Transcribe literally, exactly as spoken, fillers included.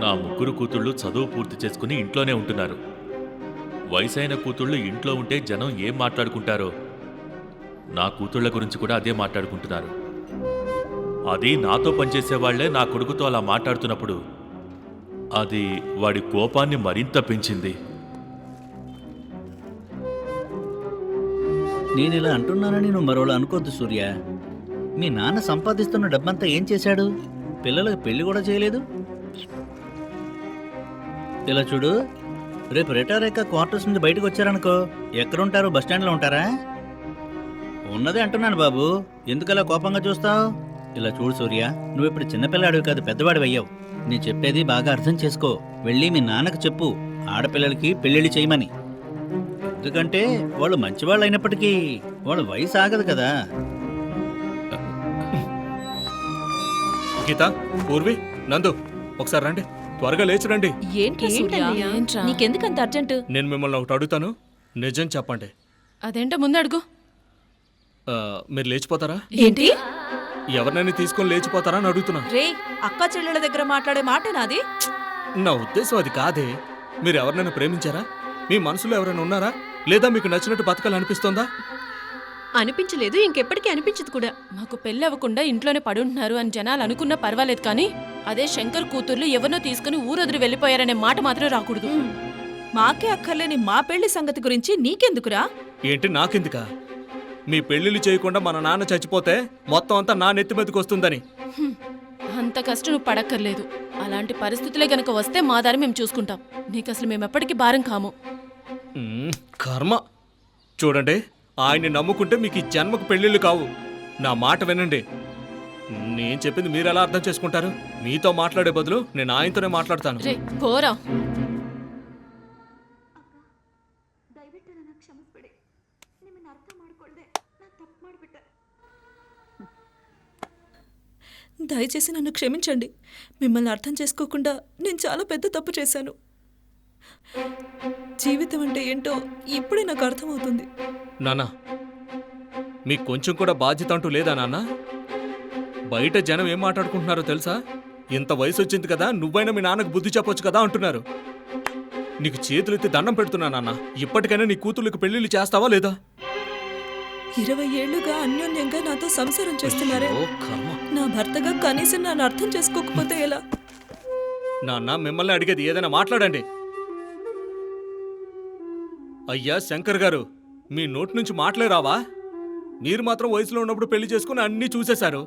ఆ ముగ్గురు కూతుళ్ళు చదువు పూర్తి చేసుకుని ఇంట్లోనే ఉంటున్నారు. వయసైన కూతుళ్ళు ఇంట్లో ఉంటే జనం ఏం మాట్లాడుకుంటారో నా కూతుళ్ల గురించి కూడా అదే మాట్లాడుకుంటున్నారు. అది నాతో పనిచేసేవాళ్లే నా కొడుకుతో అలా మాట్లాడుతున్నప్పుడు అది వాడి కోపాన్ని మరింత పెంచింది. నేను ఇలా అంటున్నానని నువ్వు మరోలా అనుకోద్దు సూర్య. మీ నాన్న సంపాదిస్తున్న డబ్బంతా ఏం చేశాడు? పిల్లలకు పెళ్లి కూడా చేయలేదు. ఇలా చూడు, రేపు రిటైర్ అయ్యాక క్వార్టర్స్ నుంచి బయటకు వచ్చారనుకో, ఎక్కడుంటారు? బస్టాండ్లో ఉంటారా? ఉన్నదే అంటున్నాను బాబు, ఎందుకలా కోపంగా చూస్తావు? ఇలా చూడు సూర్య, నువ్వు ఇప్పుడు చిన్నపిల్లాడివి కాదు, పెద్దవాడివి అయ్యావు. నేను చెప్పేది బాగా అర్థం చేసుకో. వెళ్ళి మీ నాన్నకు చెప్పు ఆడపిల్లలకి పెళ్ళిళ్ళు చేయమని. ఎందుకంటే వాళ్ళు మంచివాళ్ళు అయినప్పటికీ వాళ్ళ వయసు ఆగదు కదా. గీత, పూర్వి, నందు, ఒకసారి రండి, త్వరగా లేచి రండి. నీకెందుకంత అర్జెంటు? నేను మిమ్మల్ని ఒకటి అడుగుతాను, నిజం చెప్పండి. అదేంటో ముందు అడుగు. ఆ, మీరు లేచిపోతారా? ఏంటి? ఎవరినైనా తీసుకొని లేచిపోతారా అని అడుగుతున్నా. రే, అక్క చెల్లెళ్ళ దగ్గర మాట్లాడే మాట నాది. నా ఉద్దేశం అది కాదే. మీరు ఎవరినైనా ప్రేమించారా? మీ మనసులో ఎవరైనా ఉన్నారా? లేదా మీకు నచ్చినట్టు బతకాలనిపిస్తోందా? అనిపించలేదు, ఇంకెప్పటికీ అనిపించదు కూడా. మాకు పెళ్ళి అవ్వకుండా ఇంట్లోనే పడుంటున్నారు అని జనాలు అనుకున్నా పర్వాలేదు, కానీ అదే శంకర్ కూతుర్లు ఎవరినో తీసుకుని ఊరొదిరి వెళ్ళిపోయారనే మాట మాత్రం రాకూడదు. మాకే అక్కర్లేని మా పెళ్లి సంగతి గురించి నీకెందుకురా? ఏంటి నాకెందుకా? మీ పెళ్లిళ్ళు చేయకుండా మన నాన్న చచ్చిపోతే మొత్తం అంతా నా నెత్తి మీదకి వస్తుందని. అంత కష్టం నువ్వు పడక్కర్లేదు. అలాంటి పరిస్థితులే గనక వస్తే మా దారి మేము చూసుకుంటాం. నీకు అసలు మేము ఎప్పటికీ భారం కాము. మ్మ్, కర్మ. చూడండి, ఆయన్ని నమ్ముకుంటే మీకు ఈ జన్మకు పెళ్ళిళ్ళు కావు. నా మాట వినండి. నేను చెప్పింది మీరు ఎలా అర్థం చేసుకుంటారు? మీతో మాట్లాడే బదులు నేను ఆయనతోనే మాట్లాడతాను. రే పోరా. దయచేసి నన్ను క్షమించండి. మిమ్మల్ని అర్థం చేసుకోకుండా నేను చాలా పెద్ద తప్పు చేశాను. జీవితం అంటే ఏంటో ఇప్పుడే నాకు అర్థమవుతుంది. నాన్న, మీకు కొంచెం కూడా బాధ్యత అంటూ లేదా నాన్న? బయట జనం ఏం మాట్లాడుకుంటున్నారో తెలుసా? ఇంత వయసు వచ్చింది కదా, నువ్వైనా మీ నాన్నకు బుద్ధి చెప్పొచ్చు కదా అంటున్నారు. నీకు చేతులెత్తి దండం పెడుతున్నా నాన్న, ఇప్పటికైనా నీ కూతుళ్ళకి పెళ్లిళ్ళు చేస్తావా లేదా? ఇరవై ఏళ్లుగా అన్యోన్యంగా నాతో సంసారం చేస్తున్నారే. ఓ కర్మ. నా భర్తగా కనీసం నన్ను అర్థం చేసుకోకపోతే ఎలా? నాన్న, మిమ్మల్ని అడిగేది, ఏదైనా మాట్లాడండి. అయ్యా శంకర్ గారు, మీ నోటి నుంచి మాటలే రావా? మీరు మాత్రం వయసులో ఉన్నప్పుడు పెళ్లి చేసుకుని అన్నీ చూసేశారు.